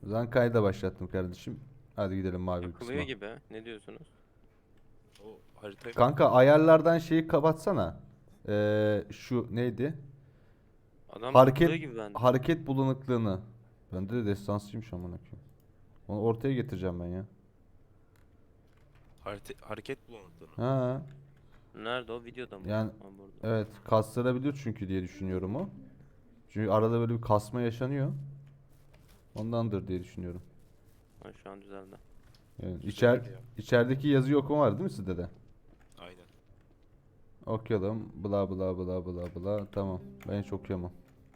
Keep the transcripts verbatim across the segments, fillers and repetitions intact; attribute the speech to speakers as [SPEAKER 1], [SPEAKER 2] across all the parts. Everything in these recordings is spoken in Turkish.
[SPEAKER 1] O zaman kayda başlattım kardeşim. Hadi gidelim mavi
[SPEAKER 2] Yapılıyor
[SPEAKER 1] kısma.
[SPEAKER 2] gibi. Ne diyorsunuz?
[SPEAKER 3] O haritayı mı?
[SPEAKER 1] Kanka ayarlardan şeyi kapatsana. Ee, şu neydi?
[SPEAKER 2] Adam
[SPEAKER 1] Hareket
[SPEAKER 2] takılıyor gibi bende.
[SPEAKER 1] hareket bulanıklığını. Bende de destansıymış amına koyayım. Onu ortaya getireceğim ben ya.
[SPEAKER 3] Harite, hareket bulanıklığını.
[SPEAKER 1] Ha,
[SPEAKER 2] Nerede o? Videoda mı?
[SPEAKER 1] yani
[SPEAKER 2] Ha, burada.
[SPEAKER 1] evet kastırabilir çünkü diye düşünüyorum o. Çünkü arada böyle bir kasma yaşanıyor. Ondandır diye düşünüyorum.
[SPEAKER 2] Ha, şu an düzeldi.
[SPEAKER 1] Yani
[SPEAKER 3] Güzel
[SPEAKER 1] içer,
[SPEAKER 3] ya.
[SPEAKER 1] içerideki yazıyı okuma var değil mi sizde de?
[SPEAKER 3] Aynen.
[SPEAKER 1] Okuyalım. Bla bla bla bla bla. Tamam. Ben hiç okuyamam.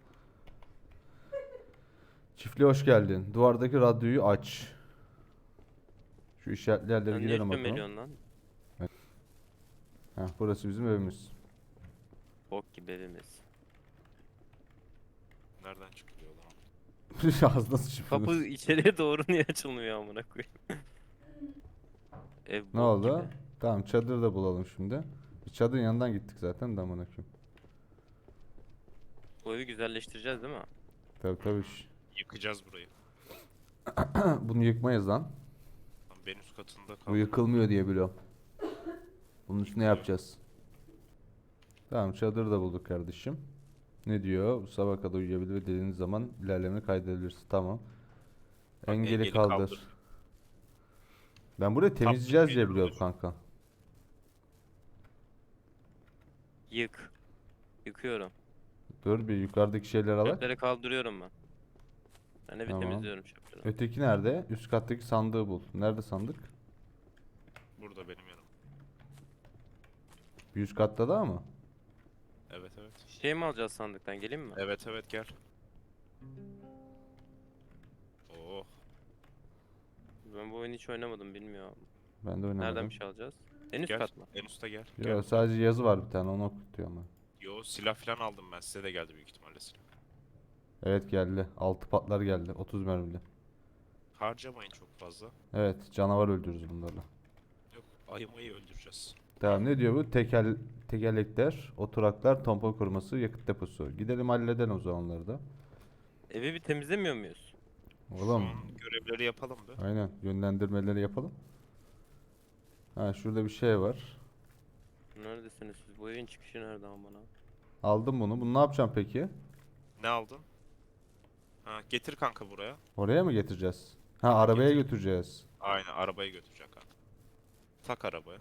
[SPEAKER 1] Çiftliğe hoş geldin. Duvardaki radyoyu aç. Şu işaretli yerlere
[SPEAKER 2] Sen niye
[SPEAKER 1] girelim bakalım.
[SPEAKER 2] şüpheliyorsun lan?
[SPEAKER 1] Heh, burası bizim evimiz.
[SPEAKER 2] Bok gibi evimiz.
[SPEAKER 3] Nereden çıkıyor lan?
[SPEAKER 1] Ağzına sıçıp.
[SPEAKER 2] Kapı içeriye doğru niye açılmıyor amına koyayım? Ev
[SPEAKER 1] Ne
[SPEAKER 2] bok
[SPEAKER 1] oldu?
[SPEAKER 2] gibi.
[SPEAKER 1] Tamam çadır da bulalım şimdi. Biz çadırın yanından gittik zaten de amına koyayım.
[SPEAKER 2] Bu evi güzelleştireceğiz değil mi?
[SPEAKER 1] Tabii tabii. şş.
[SPEAKER 3] Yıkacağız burayı.
[SPEAKER 1] Bunu yıkmayız lan.
[SPEAKER 3] Lan ben üst katında
[SPEAKER 1] Bu
[SPEAKER 3] kaldım.
[SPEAKER 1] yıkılmıyor diye biliyorum. Bunun üstüne
[SPEAKER 3] Yıkılıyor.
[SPEAKER 1] yapacağız. Tamam çadır da bulduk kardeşim. Ne diyor? Bu sabah kadar uyuyabilir ve dediğiniz zaman ilerlemeni kaydedebilirsin. Tamam.
[SPEAKER 3] Bak,
[SPEAKER 1] Engeli
[SPEAKER 3] engeli
[SPEAKER 1] kaldır.
[SPEAKER 3] kaldır.
[SPEAKER 1] Ben burayı
[SPEAKER 3] Tam
[SPEAKER 1] temizleyeceğiz diye
[SPEAKER 3] engeli
[SPEAKER 1] biliyorum
[SPEAKER 3] kaldır.
[SPEAKER 1] kanka.
[SPEAKER 2] Yık. Yıkıyorum.
[SPEAKER 1] Dur bir yukarıdaki şeyleri alak.
[SPEAKER 2] Çöpleri kaldırıyorum ben. Ben evi
[SPEAKER 1] Tamam.
[SPEAKER 2] temizliyorum çöpleri.
[SPEAKER 1] Öteki nerede? Üst kattaki sandığı bul. Nerede sandık?
[SPEAKER 3] Burada benim yanım.
[SPEAKER 1] Bir üst katta da mı?
[SPEAKER 3] Evet evet.
[SPEAKER 2] Şey mi alacağız sandıktan? Geleyim mi?
[SPEAKER 3] Evet evet gel. Oh.
[SPEAKER 2] Ben bu oyunu hiç oynamadım bilmiyorum.
[SPEAKER 1] Ben de oynamadım.
[SPEAKER 2] Nereden bir şey alacağız? En üst
[SPEAKER 3] Gel.
[SPEAKER 2] kat mı?
[SPEAKER 3] En usta gel.
[SPEAKER 1] Yo,
[SPEAKER 3] Gel.
[SPEAKER 1] sadece yazı var bir tane onu okutuyor ama.
[SPEAKER 3] Yo silah falan aldım ben. Size de geldi büyük ihtimalle silah.
[SPEAKER 1] Evet geldi. Altı patlar geldi. otuz mermili.
[SPEAKER 3] Harcamayın çok fazla.
[SPEAKER 1] Evet canavar öldürürüz bunlarla.
[SPEAKER 3] Yok ayımayı öldüreceğiz.
[SPEAKER 1] Tamam ne diyor bu? Tekel, tekerlekler, oturaklar, tampon koruması, yakıt deposu. Gidelim halledelim o zaman onları da.
[SPEAKER 2] Evi bir temizlemiyor muyuz?
[SPEAKER 3] Şu
[SPEAKER 1] Oğlum
[SPEAKER 3] an görevleri yapalım da.
[SPEAKER 1] aynen yönlendirmeleri yapalım. Ha şurada bir şey var.
[SPEAKER 2] Neredesiniz siz? Bu evin çıkışı nerede amına?
[SPEAKER 1] Aldım bunu. Bunu ne yapacağım peki?
[SPEAKER 3] Ne aldın? Ha getir kanka buraya.
[SPEAKER 1] Oraya mı getireceğiz? Ha arabaya
[SPEAKER 3] Getir.
[SPEAKER 1] götüreceğiz.
[SPEAKER 3] Aynen arabaya götürecek kanka. Tak arabaya.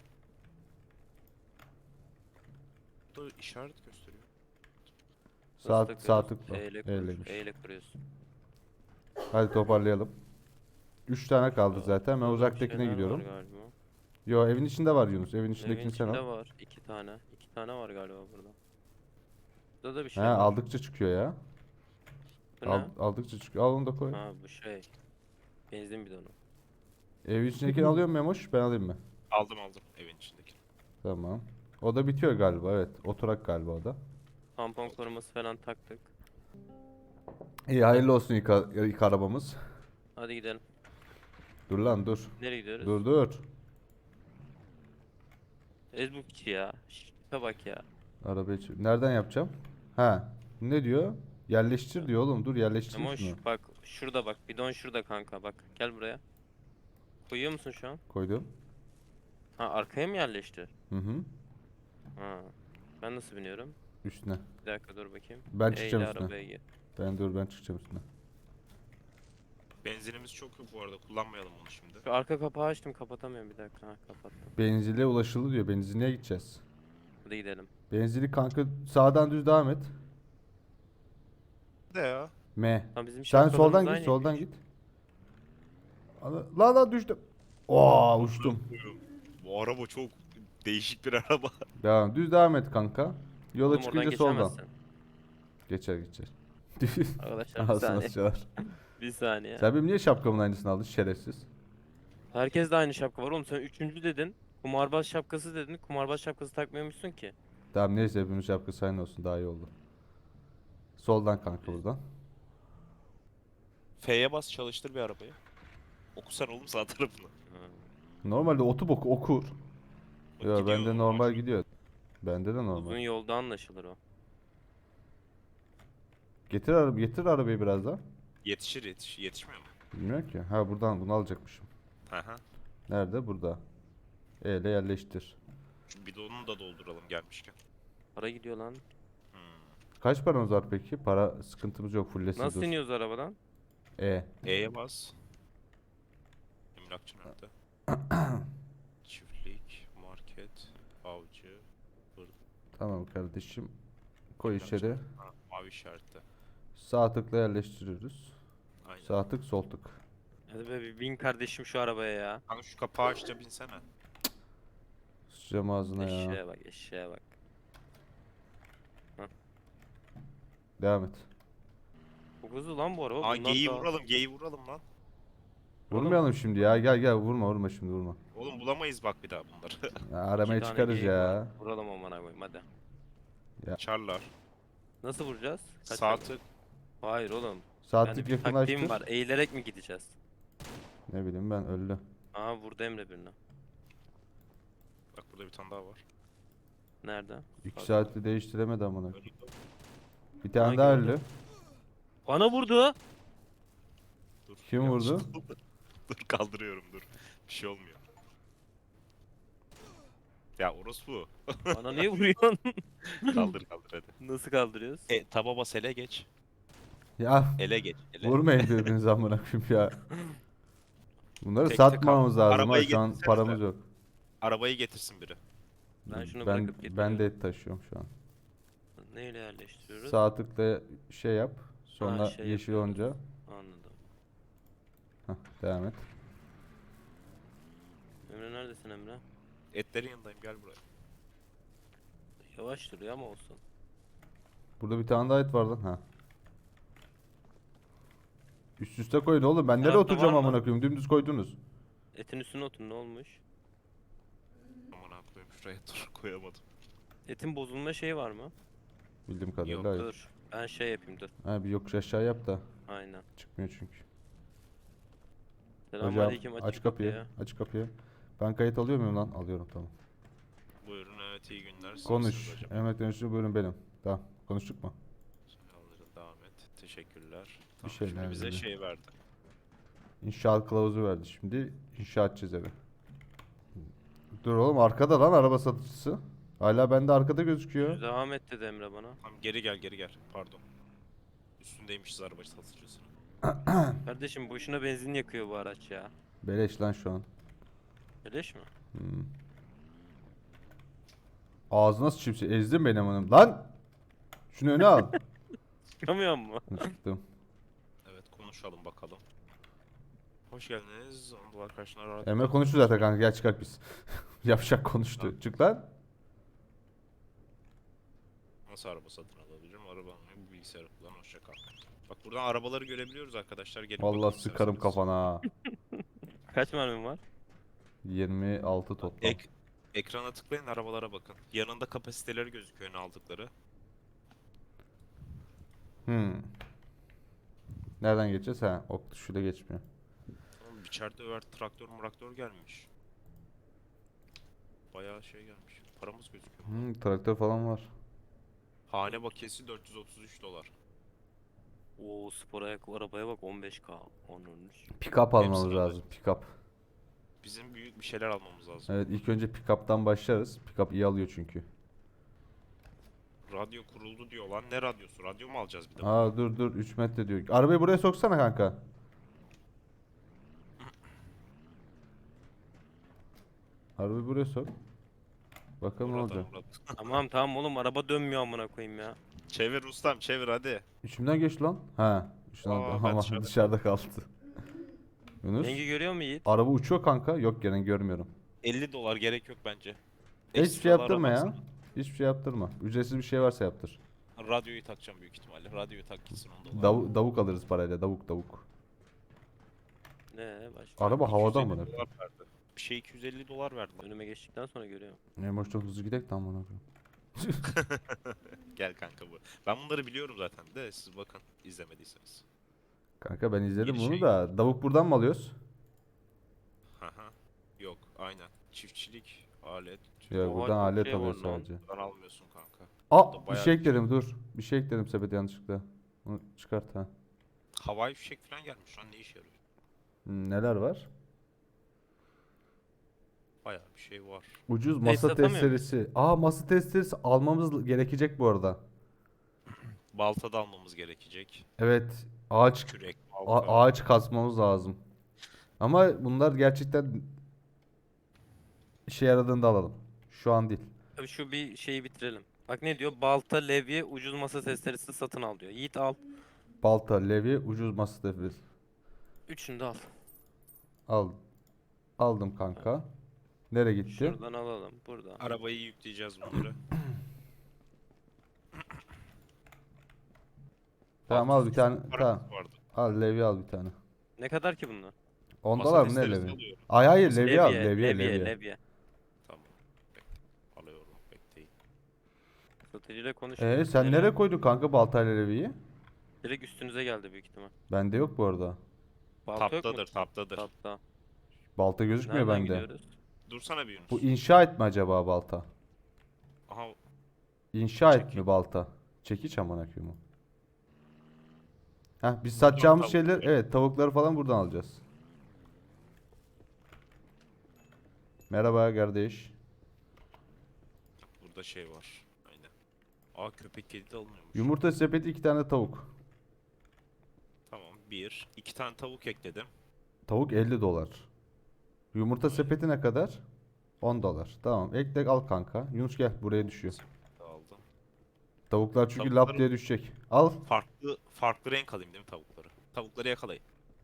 [SPEAKER 3] Burada işaret gösteriyor.
[SPEAKER 1] Saat
[SPEAKER 2] Nasıl
[SPEAKER 1] sağ
[SPEAKER 2] takıyoruz?
[SPEAKER 1] tıkla.
[SPEAKER 2] E ile kur.
[SPEAKER 1] Eyleymiş.
[SPEAKER 2] E ile kuruyorsun.
[SPEAKER 1] Hadi toparlayalım. Üç tane kaldı
[SPEAKER 2] Aa,
[SPEAKER 1] zaten. Ben
[SPEAKER 2] burada bir
[SPEAKER 1] uzaktakine
[SPEAKER 2] şeyler
[SPEAKER 1] gidiyorum.
[SPEAKER 2] var galiba.
[SPEAKER 1] Yo evin içinde var Yunus. Evin
[SPEAKER 2] Evin
[SPEAKER 1] içindekini sen
[SPEAKER 2] içinde
[SPEAKER 1] al.
[SPEAKER 2] var. iki tane. iki tane var galiba burada. Burada da bir
[SPEAKER 1] He
[SPEAKER 2] şey var.
[SPEAKER 1] aldıkça çıkıyor ya.
[SPEAKER 2] Bu
[SPEAKER 1] Al,
[SPEAKER 2] ne?
[SPEAKER 1] aldıkça çıkıyor. Al onu da koy.
[SPEAKER 2] Ha bu şey. Benzin bidonu.
[SPEAKER 1] Evin içindekini alıyor mu Memoş? Ben alayım mı?
[SPEAKER 3] Aldım aldım evin içindeki.
[SPEAKER 1] Tamam. O da bitiyor galiba evet. Oturak galiba o da.
[SPEAKER 2] Tampon koruması falan taktık.
[SPEAKER 1] İyi hayırlı olsun ilk, a- ilk arabamız.
[SPEAKER 2] Hadi gidelim.
[SPEAKER 1] Dur lan dur.
[SPEAKER 2] Nereye gidiyoruz?
[SPEAKER 1] Dur dur.
[SPEAKER 2] Ezbukçi ya. Şişe bak ya.
[SPEAKER 1] Arabayı ç- nereden yapacağım? Ha. Ne diyor? Yerleştir diyor oğlum. Dur yerleştireyim
[SPEAKER 2] Ama
[SPEAKER 1] şunu.
[SPEAKER 2] şu, bak şurada bak. Bidon şurada kanka bak. Gel buraya. Koyuyor musun şu an?
[SPEAKER 1] Koydum.
[SPEAKER 2] Ha arkaya mı yerleşti?
[SPEAKER 1] Hı hı.
[SPEAKER 2] Ha. Ben nasıl biniyorum?
[SPEAKER 1] Üstüne.
[SPEAKER 2] Bir dakika dur bakayım.
[SPEAKER 1] Ben
[SPEAKER 2] E
[SPEAKER 1] çıkacağım
[SPEAKER 2] ile
[SPEAKER 1] üstüne.
[SPEAKER 2] arabaya gir.
[SPEAKER 1] Ben dur ben çıkacağım üstüne.
[SPEAKER 3] Benzinimiz çok yok bu arada kullanmayalım onu şimdi.
[SPEAKER 2] Şu arka kapağı açtım kapatamıyorum bir dakika. Ha kapattım.
[SPEAKER 1] Benzile ulaşıldı diyor. Benzinliğe gideceğiz.
[SPEAKER 2] Hadi gidelim.
[SPEAKER 1] Benzinlik kanka sağdan düz devam et.
[SPEAKER 3] De ya.
[SPEAKER 1] M.
[SPEAKER 2] Ha bizim
[SPEAKER 1] Sen
[SPEAKER 2] şapkalarımız
[SPEAKER 1] soldan git,
[SPEAKER 2] aynıymış.
[SPEAKER 1] soldan git. Ana- La la düştüm. Oo uçtum.
[SPEAKER 3] Bu araba çok değişik bir araba.
[SPEAKER 1] Devam. Düz devam et kanka. Yola
[SPEAKER 2] Oğlum oradan
[SPEAKER 1] çıkınca soldan.
[SPEAKER 2] geçemezsin.
[SPEAKER 1] Geçer geçer.
[SPEAKER 2] Arkadaşlar bir
[SPEAKER 1] Ağzına
[SPEAKER 2] saniye.
[SPEAKER 1] sıçar.
[SPEAKER 2] Bir saniye.
[SPEAKER 1] Sen benim niye şapkamın aynısını aldın şerefsiz?
[SPEAKER 2] Herkes de aynı şapka var oğlum sen üçüncü dedin. Kumarbaz şapkası dedin. Kumarbaz şapkası takmıyormuşsun ki.
[SPEAKER 1] Tamam neyse hepimiz şapkası aynı olsun daha iyi oldu. Soldan kanka buradan.
[SPEAKER 3] F'ye bas çalıştır bir arabayı. Okusana oğlum sağ tarafını.
[SPEAKER 2] Ha.
[SPEAKER 1] Normalde otu boku okur.
[SPEAKER 3] Bak
[SPEAKER 1] Yo
[SPEAKER 3] gidiyor
[SPEAKER 1] bende
[SPEAKER 3] normal.
[SPEAKER 1] normal gidiyor. Bende de
[SPEAKER 2] Uzun
[SPEAKER 1] normal.
[SPEAKER 2] yolda anlaşılır o.
[SPEAKER 1] Getir araba getir arabayı biraz daha.
[SPEAKER 3] Yetişir yetiş yetişmiyor mu?
[SPEAKER 1] Bilmiyorum ki. Ha buradan bunu alacakmışım.
[SPEAKER 3] Hı hı.
[SPEAKER 1] Nerede? Burada. E ile yerleştir.
[SPEAKER 3] Şu bidonunu da dolduralım gelmişken.
[SPEAKER 2] Para gidiyor lan.
[SPEAKER 3] Hmm.
[SPEAKER 1] Kaç paramız var peki? Para sıkıntımız yok. Fullesin
[SPEAKER 2] Nasıl
[SPEAKER 1] dur.
[SPEAKER 2] iniyoruz arabadan?
[SPEAKER 1] E.
[SPEAKER 3] E'ye bas. Emlakçı nerede? Çiftlik, market, avcı, hır,
[SPEAKER 1] Tamam kardeşim. Koy
[SPEAKER 3] emlakçı.
[SPEAKER 1] içeri.
[SPEAKER 3] Ha, mavi işaretle.
[SPEAKER 1] Sağ tıkla yerleştiriyoruz.
[SPEAKER 3] Aynen.
[SPEAKER 1] Sağ tık sol tık.
[SPEAKER 2] Hadi be bir bin kardeşim şu arabaya ya.
[SPEAKER 3] Kanka şu kapağı aç da binsene.
[SPEAKER 1] Sıçacağım ağzına ya.
[SPEAKER 2] Eşeğe bak eşeğe bak.
[SPEAKER 1] Devam et.
[SPEAKER 2] Çok hızlı lan bu araba.
[SPEAKER 3] Aa
[SPEAKER 2] Bundan
[SPEAKER 3] geyi
[SPEAKER 2] daha-
[SPEAKER 3] vuralım, geyi vuralım lan.
[SPEAKER 1] Vurmayalım şimdi ya. Gel gel vurma vurma şimdi vurma.
[SPEAKER 3] Oğlum bulamayız bak bir daha bunları.
[SPEAKER 1] Ya, aramaya
[SPEAKER 2] İki tane
[SPEAKER 1] çıkarız
[SPEAKER 2] geyik
[SPEAKER 1] ya.
[SPEAKER 2] var. Vuralım amına koyayım hadi.
[SPEAKER 3] Çarlar.
[SPEAKER 2] Nasıl vuracağız? Kaç
[SPEAKER 3] Sağ
[SPEAKER 2] dakika?
[SPEAKER 3] tık.
[SPEAKER 2] Hayır oğlum.
[SPEAKER 1] Sağ
[SPEAKER 2] Yani
[SPEAKER 1] tık
[SPEAKER 2] bir taktiğim
[SPEAKER 1] yakınlaştır.
[SPEAKER 2] var. Eğilerek mi gideceğiz?
[SPEAKER 1] Ne bileyim ben öldü.
[SPEAKER 2] Aa vurdu Emre birini.
[SPEAKER 3] Bak burada bir tane daha var.
[SPEAKER 2] Nerede?
[SPEAKER 1] İki
[SPEAKER 2] Bak.
[SPEAKER 1] saatte değiştiremedi amına.
[SPEAKER 3] Öldü.
[SPEAKER 1] Bir tane
[SPEAKER 2] Hangi
[SPEAKER 1] daha
[SPEAKER 2] öldü?
[SPEAKER 1] öldü.
[SPEAKER 2] Bana vurdu.
[SPEAKER 3] Dur.
[SPEAKER 1] Kim
[SPEAKER 3] yanlış
[SPEAKER 1] vurdu?
[SPEAKER 3] oldu. Dur kaldırıyorum dur. Bir şey olmuyor. Ya orospu.
[SPEAKER 2] Bana niye vuruyorsun?
[SPEAKER 3] Kaldır kaldır hadi.
[SPEAKER 2] Nasıl kaldırıyoruz?
[SPEAKER 3] E taba bas ele geç.
[SPEAKER 1] Ya
[SPEAKER 3] Ele geç. Ele.
[SPEAKER 1] vurmayın birbirinize amına koyayım ya. Bunları
[SPEAKER 3] Tek tek
[SPEAKER 1] satmamamız lazım ha.
[SPEAKER 3] Arabayı
[SPEAKER 1] Şu an
[SPEAKER 3] getirsenize.
[SPEAKER 1] paramız yok.
[SPEAKER 3] Arabayı getirsin biri.
[SPEAKER 2] Ben şunu
[SPEAKER 1] ben,
[SPEAKER 2] bırakıp
[SPEAKER 1] ben
[SPEAKER 2] getiriyorum.
[SPEAKER 1] de et taşıyorum şu an.
[SPEAKER 2] Neyle yerleştiriyoruz?
[SPEAKER 1] Sağ tıkla şey yap. Sonra
[SPEAKER 2] Ha, şey
[SPEAKER 1] yeşil
[SPEAKER 2] yapıyoruz.
[SPEAKER 1] olunca.
[SPEAKER 2] Anladım.
[SPEAKER 1] Hah, devam et.
[SPEAKER 2] Emre neredesin Emre?
[SPEAKER 3] Etlerin yanındayım gel buraya.
[SPEAKER 2] Yavaş duruyor ama olsun.
[SPEAKER 1] Burada bir tane daha et var lan. Ha. Üst üste koyun oğlum. Ben nereye
[SPEAKER 2] Tarafta
[SPEAKER 1] oturacağım
[SPEAKER 2] var mı?
[SPEAKER 1] amına koyayım? Dümdüz koydunuz.
[SPEAKER 2] Etin üstüne otur ne olmuş?
[SPEAKER 3] Aman ha koyayım şuraya dur koyamadım.
[SPEAKER 2] Etin bozulma şeyi var mı?
[SPEAKER 1] Bildiğim kadarıyla
[SPEAKER 3] Yok,
[SPEAKER 1] hayır.
[SPEAKER 2] Dur. Ben şey yapayım dur.
[SPEAKER 1] Ha bir yokuş aşağı yap da.
[SPEAKER 2] Aynen.
[SPEAKER 1] Çıkmıyor çünkü. Hocam
[SPEAKER 2] Selamünaleyküm
[SPEAKER 1] aç
[SPEAKER 2] açık
[SPEAKER 1] kapıyı.
[SPEAKER 2] kapıyı.
[SPEAKER 1] Aç kapıyı. Ben kayıt alıyor muyum lan? Alıyorum tamam.
[SPEAKER 3] Buyurun evet iyi günler. Siz
[SPEAKER 1] Konuş.
[SPEAKER 3] misiniz hocam?
[SPEAKER 1] Emret yönetici buyurun benim. Tamam. Konuştuk mu?
[SPEAKER 3] Kaldırın devam et. Teşekkürler.
[SPEAKER 1] Bir
[SPEAKER 3] Tamam,
[SPEAKER 1] şeyler
[SPEAKER 3] şimdi bize
[SPEAKER 1] dedi.
[SPEAKER 3] şey verdi.
[SPEAKER 1] İnşaat kılavuzu verdi şimdi. İnşa edeceğiz evi. Dur oğlum arkada lan araba satıcısı. Hala bende arkada gözüküyor.
[SPEAKER 2] Devam et dedi Emre bana.
[SPEAKER 3] Tamam geri gel geri gel. Pardon. Üstündeymişiz araba satıcısının.
[SPEAKER 2] Kardeşim boşuna benzin yakıyor bu araç ya.
[SPEAKER 1] Beleş lan şu an.
[SPEAKER 2] Beleş mi?
[SPEAKER 1] Hmm. Ağzına sıçayım seni. Ezdin beni amanım. Lan! Şunu öne al.
[SPEAKER 2] Çıkamıyor mu?
[SPEAKER 1] Çıktım.
[SPEAKER 3] Evet konuşalım bakalım. Hoş geldiniz. Anadolu karşına rahat.
[SPEAKER 1] Emre konuştu zaten kanka gel çıkart biz. Yavşak konuştu. Çık lan.
[SPEAKER 3] Nasıl araba satın alabilirim? Araba almayı bu bilgisayarı kullan. Hoşça kal. Bak buradan arabaları görebiliyoruz arkadaşlar. Gelin
[SPEAKER 1] Vallahi
[SPEAKER 3] bakalım
[SPEAKER 1] sıkarım
[SPEAKER 3] isterseniz.
[SPEAKER 1] kafana ha.
[SPEAKER 2] Kaç mermin var?
[SPEAKER 1] yirmi altı toplam.
[SPEAKER 3] Ek, ekrana tıklayın arabalara bakın. Yanında kapasiteleri gözüküyor ne aldıkları.
[SPEAKER 1] Hmm. Nereden geçeceğiz? Ha, ok tuşuyla geçmiyor.
[SPEAKER 3] Oğlum içeride över traktör muraktör gelmiş. Bayağı şey gelmiş. Paramız gözüküyor.
[SPEAKER 1] Hmm, traktör falan var.
[SPEAKER 3] Hane bakiyesi dört yüz otuz üç dolar.
[SPEAKER 2] Oo spor ayakkabı arabaya bak on beş K. Onun
[SPEAKER 1] Pick-up almamız
[SPEAKER 3] Hepsini
[SPEAKER 1] lazım. Pick-up.
[SPEAKER 3] Bizim büyük bir şeyler almamız lazım.
[SPEAKER 1] Evet ilk önce pick-up'tan başlarız. Pick-up iyi alıyor çünkü.
[SPEAKER 3] Radyo kuruldu diyor lan. Ne radyosu? Radyo mu alacağız bir de?
[SPEAKER 1] Aa dur dur üç metre diyor. Arabayı buraya soksana kanka. Arabayı buraya sok. Bakalım ne
[SPEAKER 3] Burada,
[SPEAKER 1] olacak.
[SPEAKER 3] burada.
[SPEAKER 2] Tamam tamam oğlum araba dönmüyor amına koyayım ya.
[SPEAKER 3] Çevir ustam çevir hadi.
[SPEAKER 1] İçimden geçti lan. Ha. İçimden
[SPEAKER 3] Aa, ben
[SPEAKER 1] ama
[SPEAKER 3] dışarıda
[SPEAKER 1] dışarıda kaldı. Yunus.
[SPEAKER 2] Rengi görüyor mu Yiğit?
[SPEAKER 1] Araba uçuyor kanka. Yok gene görmüyorum.
[SPEAKER 3] elli dolar gerek yok bence.
[SPEAKER 1] Hiçbir şey
[SPEAKER 3] Ekstralar
[SPEAKER 1] yaptırma ya.
[SPEAKER 3] almazsın.
[SPEAKER 1] Hiçbir şey yaptırma. Ücretsiz bir şey varsa yaptır.
[SPEAKER 3] Radyoyu takacağım büyük ihtimalle. Radyoyu tak gitsin on dolar.
[SPEAKER 1] Dav davuk alırız parayla. Davuk davuk.
[SPEAKER 2] Ne başka?
[SPEAKER 1] Araba havada
[SPEAKER 3] iki yüz
[SPEAKER 1] mı?
[SPEAKER 3] elli dolar verdi. Bir şey iki yüz elli dolar verdi. lan.
[SPEAKER 2] Önüme geçtikten sonra görüyorum.
[SPEAKER 1] Ne boş çok hızlı gidek tam bana.
[SPEAKER 3] Gel kanka bu. Ben bunları biliyorum zaten de siz bakın izlemediyseniz.
[SPEAKER 1] Kanka ben izledim
[SPEAKER 3] Bir
[SPEAKER 1] bunu
[SPEAKER 3] şey-
[SPEAKER 1] da. Davuk buradan mı alıyoruz?
[SPEAKER 3] Haha. Yok aynen. Çiftçilik, alet.
[SPEAKER 1] Ya
[SPEAKER 2] Oha,
[SPEAKER 1] buradan
[SPEAKER 2] çok
[SPEAKER 1] alet
[SPEAKER 2] şey var
[SPEAKER 1] alıyoruz
[SPEAKER 2] lan.
[SPEAKER 1] sadece.
[SPEAKER 3] Buradan almıyorsun kanka.
[SPEAKER 1] Aa
[SPEAKER 3] Burada
[SPEAKER 1] bir
[SPEAKER 3] bayağı
[SPEAKER 1] şey
[SPEAKER 3] bir şey
[SPEAKER 1] ekledim dur. Bir şey ekledim sepete yanlışlıkla. Onu çıkart ha.
[SPEAKER 3] Havai fişek falan gelmiş lan ne işe yarıyor?
[SPEAKER 1] Hmm, neler var?
[SPEAKER 3] Bayağı bir şey var.
[SPEAKER 1] Ucuz
[SPEAKER 2] Neyse,
[SPEAKER 1] masa
[SPEAKER 2] satamıyor muyuz?
[SPEAKER 1] testeresi. Aa, masa testeresi almamız gerekecek bu arada.
[SPEAKER 3] Balta da almamız gerekecek.
[SPEAKER 1] Evet, ağaç
[SPEAKER 3] Kürek,
[SPEAKER 1] a-
[SPEAKER 3] balta.
[SPEAKER 1] ağaç kasmamız lazım. Ama bunlar gerçekten işe yaradığında alalım. Şu an değil.
[SPEAKER 2] Abi şu bir şeyi bitirelim. Bak ne diyor? Balta, levye, ucuz masa testeresi satın al diyor. Yiğit al.
[SPEAKER 1] Balta, levye, ucuz masa testeresi.
[SPEAKER 2] Üçünü de al.
[SPEAKER 1] Al. Aldım kanka. Nereye gitti?
[SPEAKER 2] Şuradan alalım. Burada.
[SPEAKER 3] Arabayı yükleyeceğiz bunları.
[SPEAKER 1] Tamam, al bir tane. Tamam.
[SPEAKER 3] Paramız vardı.
[SPEAKER 1] Al levye, al bir tane.
[SPEAKER 2] Ne kadar ki bunlar?
[SPEAKER 1] Ondalar
[SPEAKER 3] Masa
[SPEAKER 1] mı ne
[SPEAKER 3] testeresi
[SPEAKER 1] levye?
[SPEAKER 3] alıyorum.
[SPEAKER 1] Ay hayır,
[SPEAKER 3] Masa-
[SPEAKER 1] levye al,
[SPEAKER 2] Levye,
[SPEAKER 1] levye,
[SPEAKER 2] levye,
[SPEAKER 1] levye.
[SPEAKER 2] levye.
[SPEAKER 3] Tamam. Bekle. Alıyorum. Bekleyin.
[SPEAKER 2] Satıcıyla konuşuyoruz.
[SPEAKER 1] Ee, sen nereye koydun kanka baltayla levyeyi?
[SPEAKER 2] Direkt üstünüze geldi büyük ihtimal.
[SPEAKER 1] Bende yok bu arada.
[SPEAKER 2] Balta yok mu?
[SPEAKER 3] Taptadır, taptadır.
[SPEAKER 2] Tapta.
[SPEAKER 1] Balta gözükmüyor
[SPEAKER 2] Nereden
[SPEAKER 1] bende.
[SPEAKER 2] gidiyoruz?
[SPEAKER 3] Dursana bir Yunus.
[SPEAKER 1] Bu inşa et mi acaba balta?
[SPEAKER 3] Aha,
[SPEAKER 1] İnşa et
[SPEAKER 3] Çekiç.
[SPEAKER 1] mi balta? Çekiç amına koyayım o. Heh, biz
[SPEAKER 3] Buradan
[SPEAKER 1] satacağımız
[SPEAKER 3] tavuk
[SPEAKER 1] şeyler,
[SPEAKER 3] alacağız.
[SPEAKER 1] evet, tavukları falan buradan alacağız. Merhaba kardeş.
[SPEAKER 3] burada şey var. Aynen. Aa, köpek kedi de alınıyormuş.
[SPEAKER 1] Yumurta sepeti, iki tane tavuk.
[SPEAKER 3] Tamam. Bir. iki tane tavuk ekledim.
[SPEAKER 1] Tavuk elli dolar. Yumurta sepeti ne kadar? on dolar. Tamam, ekle al kanka. Yunus gel, buraya düşüyor.
[SPEAKER 3] Aldım.
[SPEAKER 1] Tavuklar çünkü
[SPEAKER 3] Tavukları-
[SPEAKER 1] lap diye düşecek. Al.
[SPEAKER 3] Farklı farklı renk alayım değil mi tavukları? Tavukları yakalayın.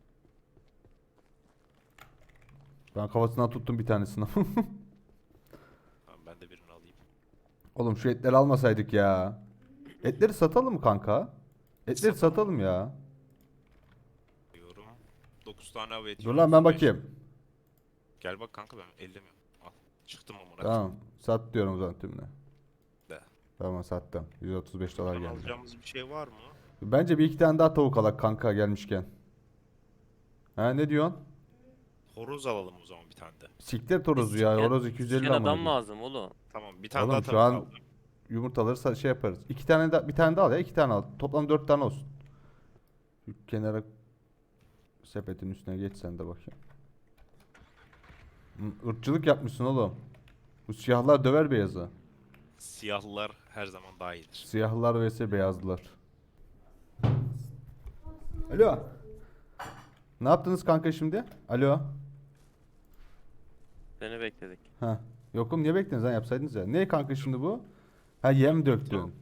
[SPEAKER 1] Ben kafasından tuttum bir tanesini.
[SPEAKER 3] Tamam, ben de birini alayım.
[SPEAKER 1] Oğlum şu etleri almasaydık ya. Etleri satalım mı kanka? Etleri
[SPEAKER 3] Satalım.
[SPEAKER 1] satalım ya.
[SPEAKER 3] Diyorum. dokuz tane av eti.
[SPEAKER 1] Dur lan, ben
[SPEAKER 3] otuz beş.
[SPEAKER 1] bakayım.
[SPEAKER 3] Gel bak kanka, ben ellemiyorum. Al. Çıktım amına.
[SPEAKER 1] Tamam. Sat diyorum o zaman tümüne.
[SPEAKER 3] De.
[SPEAKER 1] Tamam, sattım. yüz otuz beş dolar
[SPEAKER 3] Buradan
[SPEAKER 1] geldi.
[SPEAKER 3] alacağımız bir şey var mı?
[SPEAKER 1] Bence bir iki tane daha tavuk alak kanka gelmişken. Ha, ne diyorsun?
[SPEAKER 3] Horoz alalım o zaman bir tane de.
[SPEAKER 1] Siktir horozu ya.
[SPEAKER 2] İsken-
[SPEAKER 1] Horoz iki yüz elli
[SPEAKER 2] isken
[SPEAKER 1] amına
[SPEAKER 2] adam
[SPEAKER 1] koyayım.
[SPEAKER 2] lazım oğlum.
[SPEAKER 3] Tamam, bir tane
[SPEAKER 1] Oğlum
[SPEAKER 3] daha
[SPEAKER 1] şu
[SPEAKER 3] tavuk
[SPEAKER 1] an
[SPEAKER 3] aldım.
[SPEAKER 1] yumurtaları sa- şey yaparız. İki tane da bir tane daha al ya. iki tane al. Toplam dört tane olsun. Şu kenara sepetin üstüne geç sen de bakayım. Hı, ırkçılık yapmışsın oğlum. Bu siyahlar döver beyazı.
[SPEAKER 3] Siyahlılar her zaman daha iyidir.
[SPEAKER 1] Siyahlılar vs beyazlılar. Alo. Ne yaptınız kanka şimdi? Alo.
[SPEAKER 2] Seni bekledik.
[SPEAKER 1] Ha. Yokum, niye beklediniz lan, yapsaydınız ya. Ne kanka şimdi bu? Ha, yem döktün.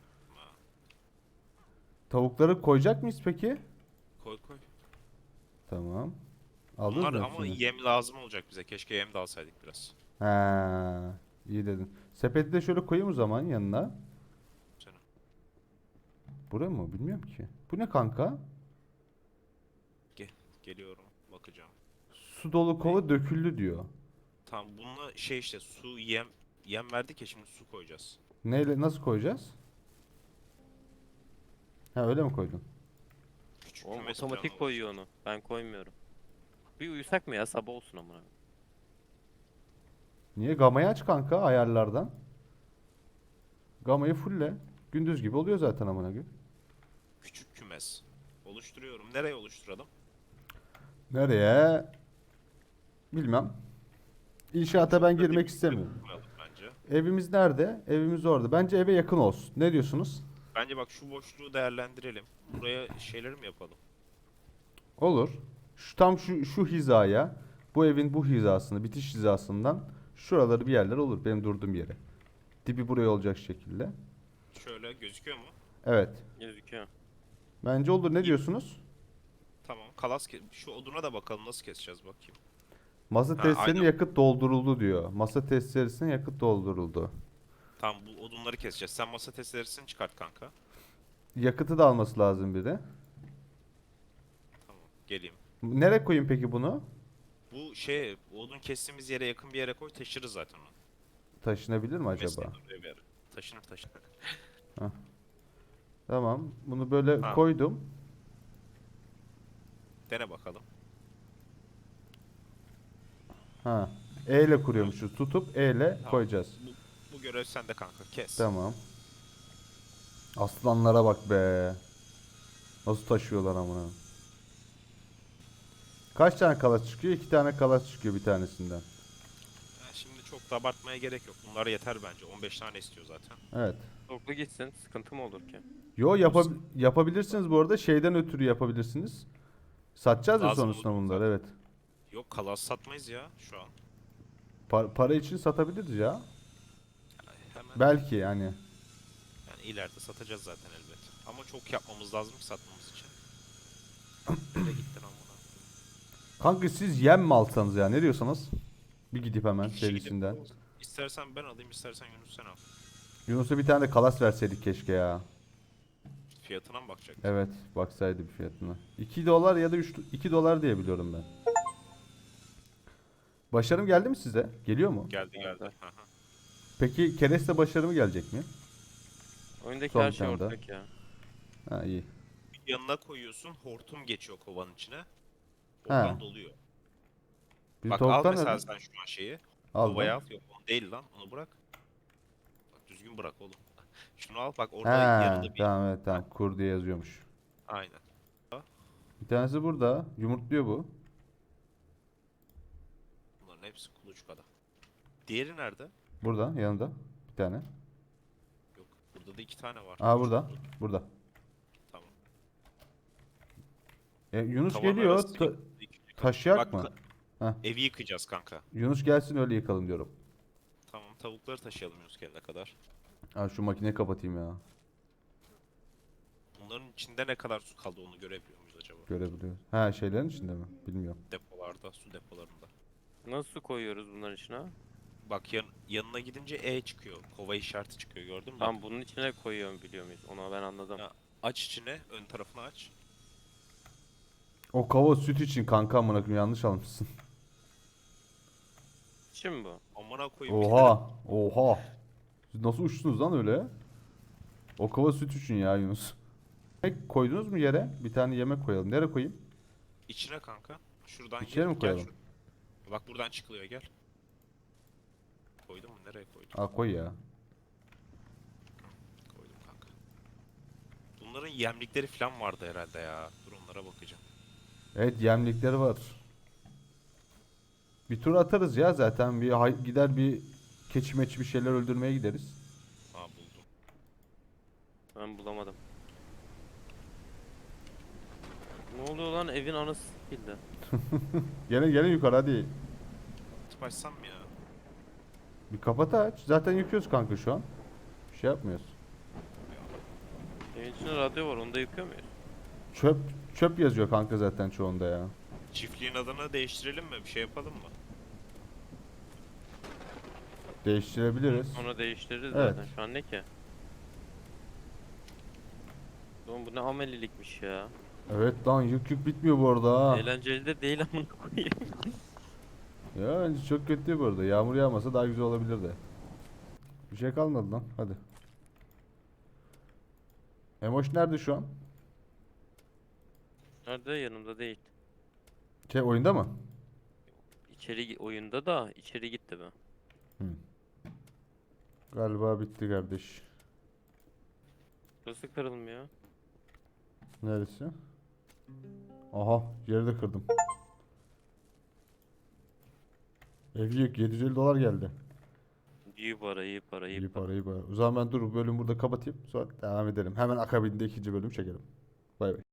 [SPEAKER 1] Tavukları koyacak mıyız peki?
[SPEAKER 3] Koy koy.
[SPEAKER 1] Tamam. Aldınız
[SPEAKER 3] Bunlar
[SPEAKER 1] mı
[SPEAKER 3] ama
[SPEAKER 1] hepsini?
[SPEAKER 3] yem lazım olacak bize. Keşke yem de alsaydık biraz.
[SPEAKER 1] Ha, iyi dedin. Sepeti de şöyle koyayım o zaman yanına.
[SPEAKER 3] Sana.
[SPEAKER 1] Buraya mı? Bilmiyorum ki. Bu ne kanka?
[SPEAKER 3] Gel, geliyorum. Bakacağım.
[SPEAKER 1] Su dolu kova döküldü diyor.
[SPEAKER 3] Tamam, bununla şey işte su yem yem verdik ya, şimdi su koyacağız.
[SPEAKER 1] Neyle, nasıl koyacağız? Ha, öyle mi koydun?
[SPEAKER 3] Küçük
[SPEAKER 2] Oğlum
[SPEAKER 3] kümes
[SPEAKER 2] otomatik
[SPEAKER 3] planı
[SPEAKER 2] koyuyor onu. Ben koymuyorum. Bir uyusak mı ya, sabah olsun amına.
[SPEAKER 1] Niye? Gamayı aç kanka ayarlardan. Gamayı fulle. Gündüz gibi oluyor zaten amına koyayım.
[SPEAKER 3] Küçük kümes. Oluşturuyorum. Nereye oluşturalım?
[SPEAKER 1] Nereye? Bilmem. İnşaata ben
[SPEAKER 3] Şurada
[SPEAKER 1] girmek
[SPEAKER 3] bir
[SPEAKER 1] istemiyorum.
[SPEAKER 3] koyalım bence.
[SPEAKER 1] Evimiz nerede? Evimiz orada. Bence eve yakın olsun. Ne diyorsunuz?
[SPEAKER 3] Bence bak, şu boşluğu değerlendirelim. Buraya şeyleri mi yapalım?
[SPEAKER 1] Olur. Şu tam şu şu hizaya, bu evin bu hizasını, bitiş hizasından şuraları bir yerler olur benim durduğum yere. Dibi buraya olacak şekilde.
[SPEAKER 3] Şöyle gözüküyor mu?
[SPEAKER 1] Evet.
[SPEAKER 2] Gözüküyor.
[SPEAKER 1] Bence olur. Ne diyorsunuz?
[SPEAKER 3] Tamam. Kalas ke- şu oduna da bakalım, nasıl keseceğiz bakayım.
[SPEAKER 1] Masa
[SPEAKER 3] Ha,
[SPEAKER 1] testlerine
[SPEAKER 3] aynen.
[SPEAKER 1] yakıt dolduruldu diyor. Masa testlerisine yakıt dolduruldu.
[SPEAKER 3] Tamam, bu odunları keseceğiz. Sen masa testeresini çıkart kanka.
[SPEAKER 1] Yakıtı da alması lazım bir de.
[SPEAKER 3] Tamam. Geleyim.
[SPEAKER 1] Nereye koyayım peki bunu?
[SPEAKER 3] Bu şey, odun kestiğimiz yere yakın bir yere koy, taşırız zaten onu.
[SPEAKER 1] Taşınabilir mi acaba?
[SPEAKER 3] Mesleğin oraya bir yere. Taşınır taşınır.
[SPEAKER 1] Tamam. Bunu böyle
[SPEAKER 3] Ha.
[SPEAKER 1] koydum.
[SPEAKER 3] Dene bakalım.
[SPEAKER 1] Ha. E ile kuruyormuşuz. Tutup E ile
[SPEAKER 3] Tamam.
[SPEAKER 1] koyacağız.
[SPEAKER 3] Bu, bu görev sende kanka. Kes.
[SPEAKER 1] Tamam. Aslanlara bak be. Nasıl taşıyorlar amına. Kaç tane kalas çıkıyor? İki tane kalas çıkıyor bir tanesinden.
[SPEAKER 3] Ya şimdi çok da abartmaya gerek yok. Bunlar yeter bence. on beş tane istiyor zaten.
[SPEAKER 1] Evet.
[SPEAKER 2] Toplu gitsin. Sıkıntı mı olur ki?
[SPEAKER 1] Yo yapab yapabilirsiniz bu arada. Şeyden ötürü yapabilirsiniz. Satacağız ya
[SPEAKER 3] Lazım
[SPEAKER 1] sonrasında
[SPEAKER 3] olur
[SPEAKER 1] bunları,
[SPEAKER 3] zaten.
[SPEAKER 1] evet.
[SPEAKER 3] Yok kalas satmayız ya şu an.
[SPEAKER 1] Pa- para için satabiliriz ya.
[SPEAKER 3] Yani hemen
[SPEAKER 1] Belki yani.
[SPEAKER 3] yani ileride satacağız zaten elbet. Ama çok yapmamız lazım ki satmamız için. Nereye gittin amına?
[SPEAKER 1] Kanka siz yem mi alsanız ya? Ne diyorsanız? Bir gidip hemen
[SPEAKER 3] Bir kişi gidip-
[SPEAKER 1] serisinden.
[SPEAKER 3] İstersen ben alayım, istersen Yunus sen al.
[SPEAKER 1] Yunus'a bir tane de kalas verseydik keşke ya.
[SPEAKER 3] Fiyatına mı bakacak?
[SPEAKER 1] Evet, baksaydı bir fiyatına. iki dolar ya da üç iki dolar diye biliyorum ben. Başarım geldi mi size? Geliyor mu?
[SPEAKER 3] Geldi geldi.
[SPEAKER 2] Geldi.
[SPEAKER 3] Hı hı.
[SPEAKER 1] Peki kereste başarımı gelecek mi?
[SPEAKER 2] Oyundaki
[SPEAKER 1] Son
[SPEAKER 2] her
[SPEAKER 1] bir
[SPEAKER 2] şey
[SPEAKER 1] tane daha.
[SPEAKER 2] ortak ya.
[SPEAKER 1] Ha iyi.
[SPEAKER 3] Yanına koyuyorsun, hortum geçiyor kovanın içine.
[SPEAKER 1] Ha.
[SPEAKER 3] Oradan doluyor.
[SPEAKER 1] Biz
[SPEAKER 3] Bak al
[SPEAKER 1] tavuktan
[SPEAKER 3] mesela
[SPEAKER 1] öyle.
[SPEAKER 3] sen şu an şeyi.
[SPEAKER 1] Al
[SPEAKER 3] Kovayı
[SPEAKER 1] lan.
[SPEAKER 3] al. Yok onu değil lan. Onu bırak. Bak düzgün bırak oğlum. Şunu al bak orada
[SPEAKER 1] Ha,
[SPEAKER 3] yarıda bir.
[SPEAKER 1] tamam evet tamam. Kur diye yazıyormuş.
[SPEAKER 3] Aynen.
[SPEAKER 1] Bir tanesi burada. Yumurtluyor bu.
[SPEAKER 3] Bunların hepsi kuluçkada. Diğeri nerede?
[SPEAKER 1] Burada yanında. Bir tane.
[SPEAKER 3] Yok. Burada da iki tane var.
[SPEAKER 1] Aa burada. Burada.
[SPEAKER 3] Tamam.
[SPEAKER 1] E, Yunus
[SPEAKER 3] Tavan
[SPEAKER 1] geliyor.
[SPEAKER 3] arası
[SPEAKER 1] Ta-
[SPEAKER 3] iki- iki-
[SPEAKER 1] taşıyak
[SPEAKER 3] Bak,
[SPEAKER 1] mı?
[SPEAKER 3] ka-
[SPEAKER 1] Heh.
[SPEAKER 3] Evi yıkacağız kanka.
[SPEAKER 1] Yunus gelsin öyle yıkalım diyorum.
[SPEAKER 3] Tamam tavukları taşıyalım Yunus gelene kadar.
[SPEAKER 1] Ha şu makineyi kapatayım ya.
[SPEAKER 3] Bunların içinde ne kadar su kaldı onu görebiliyor muyuz acaba?
[SPEAKER 1] Görebiliyoruz. Ha şeylerin içinde mi? Bilmiyorum.
[SPEAKER 3] Depolarda, su depolarında.
[SPEAKER 2] Nasıl su koyuyoruz bunların içine?
[SPEAKER 3] Bak yan, yanına gidince E çıkıyor. Kova işareti çıkıyor gördün mü?
[SPEAKER 2] Tamam bunun içine koyuyorum biliyor muyuz? Onu ben anladım.
[SPEAKER 3] Ya. Aç içine, ön tarafını aç.
[SPEAKER 1] O kava süt için kanka amına koyayım yanlış almışsın.
[SPEAKER 2] İçin mi bu?
[SPEAKER 3] Amına koyayım.
[SPEAKER 1] Oha. Oha. Siz nasıl uçtunuz lan öyle? O kava süt için ya Yunus. Yemek koydunuz mu yere? Bir tane yemek koyalım. Nereye koyayım?
[SPEAKER 3] İçine kanka. Şuradan
[SPEAKER 1] İçine mi
[SPEAKER 3] gel
[SPEAKER 1] koyalım?
[SPEAKER 3] şur- Bak buradan çıkılıyor gel. Koydum mu? Nereye koydum?
[SPEAKER 1] Aa koy ya.
[SPEAKER 3] Koydum kanka. Bunların yemlikleri falan vardı herhalde ya. Dur onlara bakacağım.
[SPEAKER 1] Evet yemlikleri var. Bir tur atarız ya zaten. Bir hay- gider bir keçi meçi bir şeyler öldürmeye gideriz.
[SPEAKER 3] Aa buldum.
[SPEAKER 2] Ben bulamadım. Ne oluyor lan evin anası sikildi.
[SPEAKER 1] Gelin gelin yukarı hadi.
[SPEAKER 3] Tıp açsam mı ya?
[SPEAKER 1] Bir kapat aç. Zaten yıkıyoruz kanka şu an. Bir şey yapmıyoruz.
[SPEAKER 2] Evin içinde radyo var onu da yıkıyor muyuz?
[SPEAKER 1] Çöp çöp yazıyor kanka zaten çoğunda ya.
[SPEAKER 3] Çiftliğin adını değiştirelim mi? Bir şey yapalım mı?
[SPEAKER 1] Değiştirebiliriz.
[SPEAKER 2] Sonra değiştiririz
[SPEAKER 1] Evet.
[SPEAKER 2] zaten. Şu an ne ki? Oğlum bu ne amelilikmiş ya.
[SPEAKER 1] Evet lan yük yük bitmiyor bu arada ha.
[SPEAKER 2] Eğlenceli de değil amına koyayım.
[SPEAKER 1] Ya bence çok kötü bu arada. Yağmur yağmasa daha güzel olabilirdi. Bir şey kalmadı lan. Hadi. Emoş nerede şu an?
[SPEAKER 2] Nerede? Yanımda değil.
[SPEAKER 1] Şey oyunda mı?
[SPEAKER 2] İçeri gi- oyunda da içeri gitti mi?
[SPEAKER 1] Galiba bitti kardeş.
[SPEAKER 2] Burası kırılmıyor.
[SPEAKER 1] Neresi? Aha yeri de kırdım. Ev yük yedi yüz elli dolar geldi.
[SPEAKER 2] İyi para, iyi para, iyi
[SPEAKER 1] İyi
[SPEAKER 2] para.
[SPEAKER 1] para iyi para. O zaman ben dur bu bölümü burada kapatayım. Sonra devam edelim. Hemen akabinde ikinci bölüm çekelim. Bay bay.